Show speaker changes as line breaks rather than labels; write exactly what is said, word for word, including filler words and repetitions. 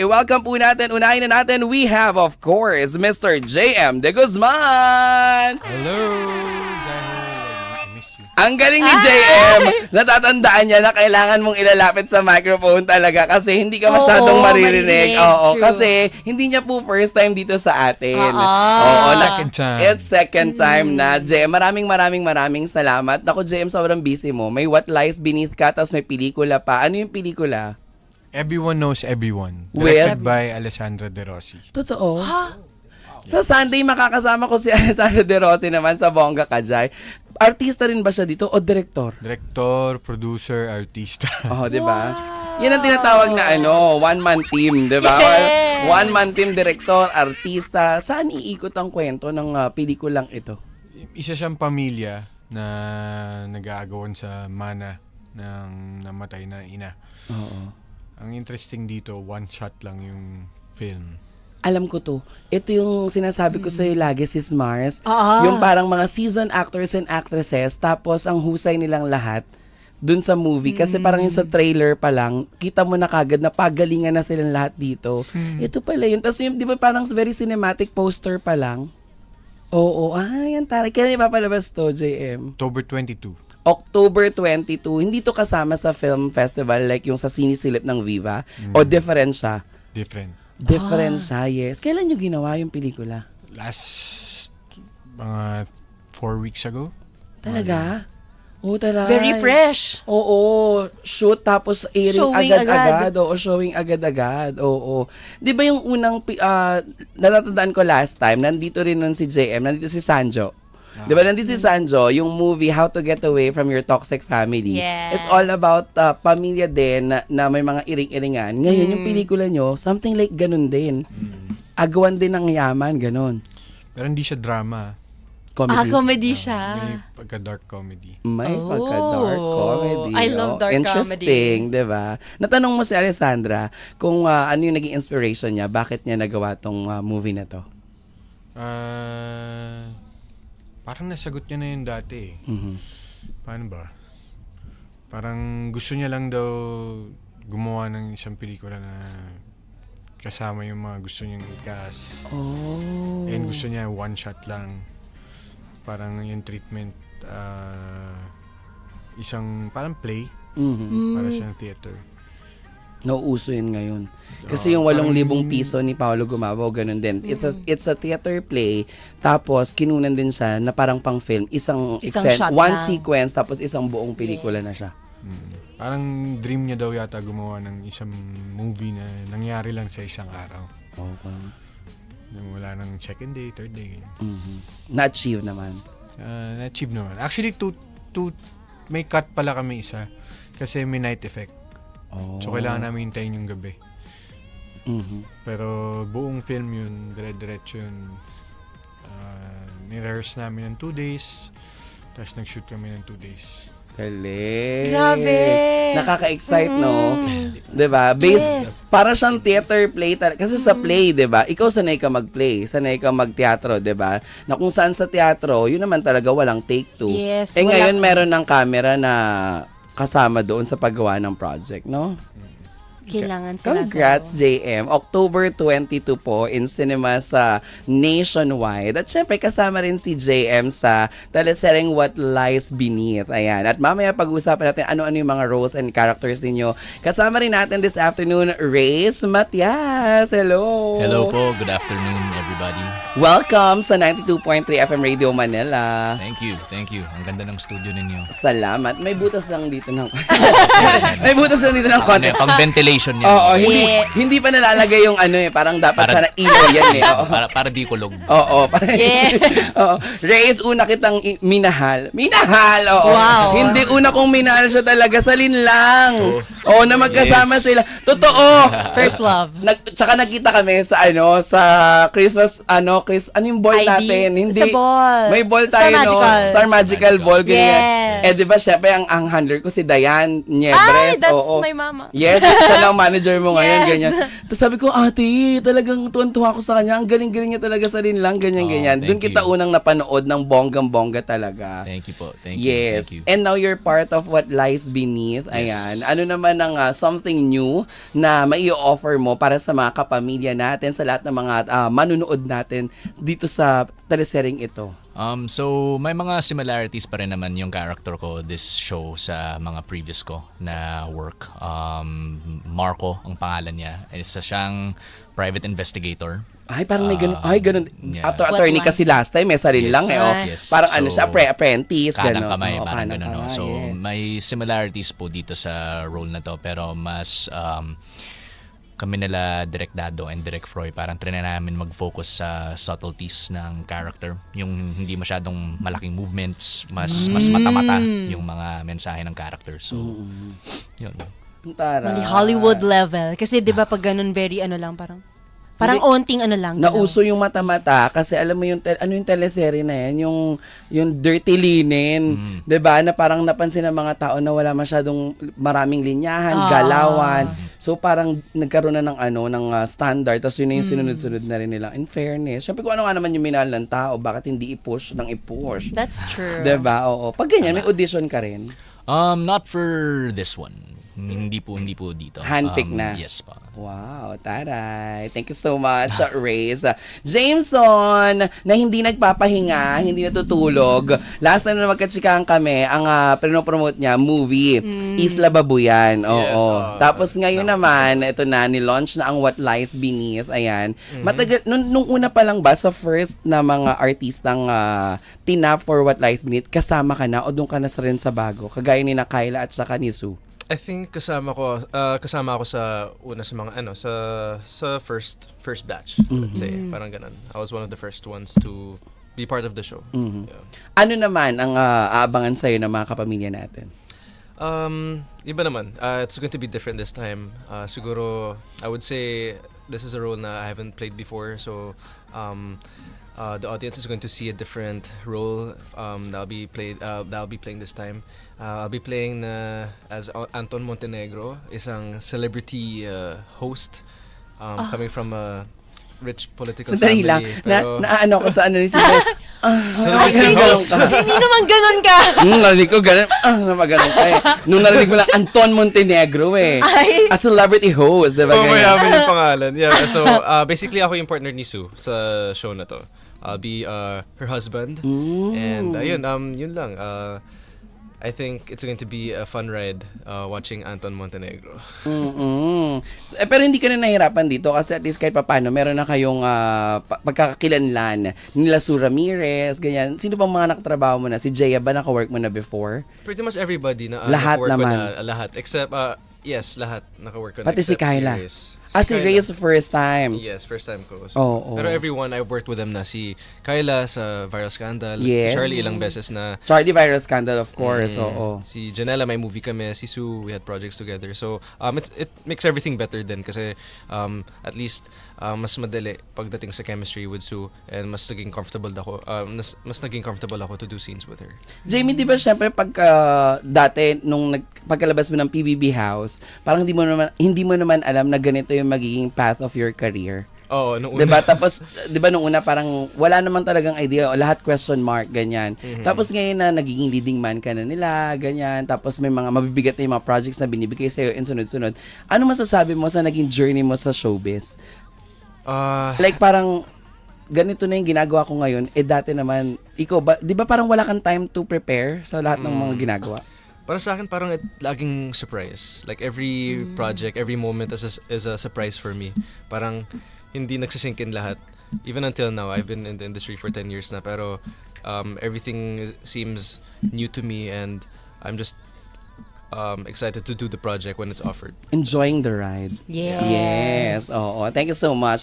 I-welcome po natin, unahin na natin, we have of course, Mister J M De Guzman!
Hello! Dahil I missed you.
Ang galing ni J M! Natatandaan niya na kailangan mong ilalapit sa microphone talaga kasi hindi ka masyadong
Oo,
maririnig.
maririnig,
Oo,
true.
kasi hindi niya po first time dito sa atin.
Oo.
Oo, na-
Second time.
It's second time na. J M, maraming maraming maraming salamat. Ako, J M, sobrang busy mo. May What Lies Beneath ka, tapos may pelikula pa. Ano yung pelikula?
Everyone Knows Everyone.
With?
Directed by Alessandra De Rossi.
Totoo? Sa Sunday, makakasama ko si Alessandra De Rossi naman sa Bongga Kajay. Artista rin ba siya dito o director?
Director, producer, artista.
Oh, 'di ba? Yan ang tinatawag na ano, one-man team, 'di ba?
Yes!
One-man team, director, artista. Saan iikot ang kwento ng uh, pelikulang ito?
Isa siyang pamilya na nag-aagawan sa mana ng namatay na ina.
Oo.
Ang interesting dito, one shot lang yung film.
Alam ko to. Ito yung sinasabi ko sa'yo lagi, Sis Mars.
Ah.
Yung parang mga seasoned actors and actresses, tapos ang husay nilang lahat dun sa movie. Kasi parang yung sa trailer pa lang, kita mo na kagad na pagalingan na silang lahat dito. Ito pala yun. Tapos yung, di ba parang very cinematic poster pa lang? Oo. Ah, yan taray. Kailan ipapalabas to, J M?
October twenty-two.
October twenty-two. Hindi to kasama sa film festival like yung sa Sinisilip ng Viva? O different siya?
Different.
Different siya, yes. Kailan nyo ginawa yung pelikula?
Last mga four weeks ago.
Talaga? Oo, talaga.
Very fresh.
Oo, shoot tapos airing
Showing
agad-agad. Oo, showing agad-agad. Oo. Di ba yung unang, pi- ah, natatandaan ko last time, nandito rin nun si J M, nandito si Sanjo. Di ba nandito si Sanjo, yung movie How to Get Away from Your Toxic Family.
Yes.
It's all about uh, pamilya din na, na may mga iring-iringan. Ngayon, yung pelikula nyo, something like ganun din. Agawan din ng yaman, ganun.
Pero hindi siya drama.
Comedy.
Ah, comedy siya.
May pagka-dark comedy.
May
Oh.
pagka-dark comedy.
I love
oh.
dark
Interesting, di ba? Natanong mo si Alessandra kung ah, ano yung naging inspiration niya, bakit niya nagawa tong ah, movie na to?
Ah, parang nasagot niya na yun dati eh.
Mhm.
Paano ba? Parang gusto niya lang daw gumawa ng isang pelikula na kasama yung mga gusto niyang i-cast.
Oh.
And gusto niya one shot lang. Parang yung treatment, ah, isang parang play,
Mhm.
para siyang theater.
Nauuso yun ngayon.
Oo,
Kasi yung walong
parang-
libong piso ni Paolo Gumabo, ganun din. It's, a, it's a theater play, tapos kinunan din siya na parang pang film. Isang,
Isang
exen-
shot
one
lang.
sequence, tapos isang buong pelikula na siya.
Mm. Parang dream niya daw yata gumawa ng isang movie na nangyari lang sa isang araw.
Okay.
Yung wala ng second day, third day. ganyan.
Mhm. Na-achieve naman.
Ah, na-achieve naman. Actually, two, two, may cut pala kami isa. Kasi may night effect.
Oh.
So, kailangan namin hintayin yung gabi.
Mhm.
Pero buong film yun, dire-diretso yun. Uh, nirehearse namin ng two days. Tapos nag-shoot kami ng two days.
Galing.
Grabe.
Nakaka-excite, no? 'Di ba? Based,
Yes.
para siyang theater play. tal- Kasi sa play, 'di ba? Ikaw sanay ka mag-play, sanay ka mag-teatro, 'di ba? Na kung saan sa teatro, yun naman talaga walang take two.
Yes,
Eh
wala-
ngayon meron ng camera na kasama doon sa paggawa ng project, no?
Kailangan sila.
Congrats, J M. October twenty-two po in cinemas sa nationwide. At syempre, kasama rin si J M sa telesereng What Lies Beneath. Ayan. At mamaya pag-uusapan natin ano-ano yung mga roles and characters ninyo. Kasama rin natin this afternoon, Reyes Matias. Hello.
Hello po, good afternoon everybody.
Welcome sa ninety-two point three F M Radio Manila.
Thank you, thank you. Ang ganda ng studio ninyo.
Salamat. May butas lang dito ng May butas lang dito ng
Ano
konti.
yan, pang ventilation yan.
Oo, hindi
Yeah.
hindi pa nalalagay yung ano eh, parang dapat
Para-
sana ilaw yan eh. Oo.
Para, para di kulog.
Oo, parang
Yes.
Oo. Reyes, una kitang i- minahal. Minahal, oo.
Wow.
Hindi una kong minahal siya talaga sa linlang. Oo, na magkasama
Yes.
sila. Totoo.
First love.
Nag, tsaka nakita kami sa ano, sa Christmas, ano, Chris, ano yung ball
I D?
natin? Hindi.
Sa ball.
May ball
Star
tayo, no?
Magical.
Star Magical
Magical.
Ball, ganyan.
Yes.
Eh, di ba, syempre, ang, ang handler ko si Diane
Ay,
Niebres.
that's
oo.
my mama.
Yes, siya ang manager mo ngayon,
Yes.
ganyan. Tapos sabi ko, ate, talagang tuwan-tuwa ko sa kanya. Ang galing-galing niya talaga sa rin lang, ganyan-ganyan.
Oh,
Doon
thank
kita
you.
unang napanood ng bonggang-bongga talaga.
Thank you po. Thank you.
Yes.
Thank you.
And now you're part of What Lies Beneath. Ayan.
Yes.
Ano naman ang ah, something new na mai-offer mo para sa mga kapamilya natin, sa lahat ng mga ah, manunood natin dito sa telesereng ito?
Um, so, may mga similarities pa rin naman yung character ko this show sa mga previous ko na work. Um, Marco, ang pangalan niya. Isa siyang private investigator.
Ay, parang may ganun.
Ah,
Ay, ganun.
yeah.
Ato,
What
attorney
lies?
kasi last time, may sarili
Yes.
lang eh. Oh.
Yes.
Parang ano
So,
siya, pre- apprentice.
Kanang
Ganun.
kamay,
Oo,
parang
kanang
ganun. No?
kamay,
So,
yes.
may similarities po dito sa role na to. Pero mas um, kami nila Direk Dado and Direk Froy, parang trinay namin mag-focus sa subtleties ng character. Yung hindi masyadong malaking movements, mas mas mata-mata yung mga mensahe ng character. So, yun.
Tara.
Mali Hollywood level. Kasi di ba pag ganun, very ano lang, parang, parang onting ano lang. galaw.
Nauso yung mata-mata kasi alam mo yung tel- ano yung teleserye na yan, yung yung dirty linen, 'di ba? Na parang napansin ng mga tao na wala masyadong maraming linyahan,
Ah.
galawan. So parang nagkaroon na ng ano ng ah, standard, tapos yun na yung sinunod-sunod na rin nila. In fairness, syempre kung ano nga naman yung minahal ng tao, bakit hindi i-push ng i-push?
That's true.
'Di ba? Oo. Pag ganyan, may audition ka rin.
Um, not for this one. Hindi po, hindi po dito.
Handpick
Um,
na.
Yes pa.
Wow, taray. Thank you so much, Raze. Jameson, na hindi nagpapahinga, hindi natutulog. Last time na magkatsikahan kami, ang uh, pinopromote niya, movie, Isla Babuyan. Oo.
Yes, ah.
Tapos ngayon naman, ito na, ni-launch na ang What Lies Beneath. Ayan. Matagal, nung, nung una pa lang ba, sa first na mga artistang uh, tinap for What Lies Beneath, kasama ka na o doon ka na sa rin sa bago? Kagaya ni na Kyla at saka ni Sue.
I think kasama ko uh, kasama ako sa una sa mga ano sa sa first first batch, let's say, parang ganun. I was one of the first ones to be part of the show. Yeah.
Ano naman ang uh, aabangan sa'yo ng mga kapamilya natin?
Um, iba naman. Uh, it's going to be different this time. Uh, siguro, I would say this is a role na I haven't played before. So, um, uh, the audience is going to see a different role um, that I'll be played. Uh, that I'll be playing this time. Uh, I'll be playing na as A- Anton Montenegro, isang celebrity uh, host um, coming from a rich political
Sandali
family.
lang. Na,
Pero,
na ano ko sa ano ni si Ah,
Celebrity
ganun
host.
ka.
Hindi naman ganun ka.
Hmm, narinig ko ganun. Ah, napaganon ka eh. Nung narinig mo lang, Anton Montenegro eh.
Ay.
A celebrity host, diba
oh,
ganyan?
mayaman yung pangalan. Yeah, so uh, basically ako yung partner ni Sue sa show na to. I'll be uh, her husband. And uh, yun, um, yun lang. Uh, I think it's going to be a fun ride uh, watching Anton Montenegro.
Mm-mm. So, eh, pero hindi ka na nahirapan dito kasi at least kahit papano, meron na kayong ah, pa- pagkakakilanlan. Nila Sue Ramirez, ganyan. Sino bang mga nakatrabaho mo na? Si Jaya ba nakawork mo na before?
Pretty much everybody na uh,
Lahat
nakawork ko
naman.
na, uh, lahat. Except, uh, yes, lahat nakawork ko na.
Pati si
except
Kyla.
Reyes.
Ah, si
Kyla.
Reyes first time.
Yes, first time ko. So,
Oo, oo.
Pero everyone, I've worked with them na. Si Kyla sa Viral Scandal.
Yes.
Si Charlie ilang beses na.
Charlie Viral Scandal, of course.
Mm.
Oo.
Si Janela, may movie kami. Si Sue, we had projects together. So, um, it, it makes everything better din kasi um, at least um, mas madali pagdating sa chemistry with Sue and mas naging comfortable ako. Um, mas, mas naging comfortable ako to do scenes with her.
Jamie, di ba syempre pagka dati nung nag, pagkalabas mo ng P B B House, parang hindi mo naman hindi mo naman alam na ganito yung magiging path of your career.
Oo, nung una.
'Di ba? Tapos 'di ba nung una parang wala naman talagang idea, o lahat question mark ganyan. Tapos ngayon na nagiging leading man ka na nila, ganyan. Tapos may mga mabibigat na yung mga projects na binibigay sa iyo in sunod-sunod. Ano masasabi mo sa naging journey mo sa showbiz?
Ah,
Like parang ganito na yung ginagawa ko ngayon, eh dati naman, ikaw ba, di ba parang wala kang time to prepare sa lahat ng mga ginagawa?
para sa akin, parang it, laging surprise. Like every project, every moment is a, is a surprise for me. Parang hindi nagsisink in lahat. Even until now, I've been in the industry for ten years na, pero um, everything is- seems new to me and I'm just um, excited to do the project when it's offered.
Enjoying the ride.
Yes.
Yes, oo. Thank you so much.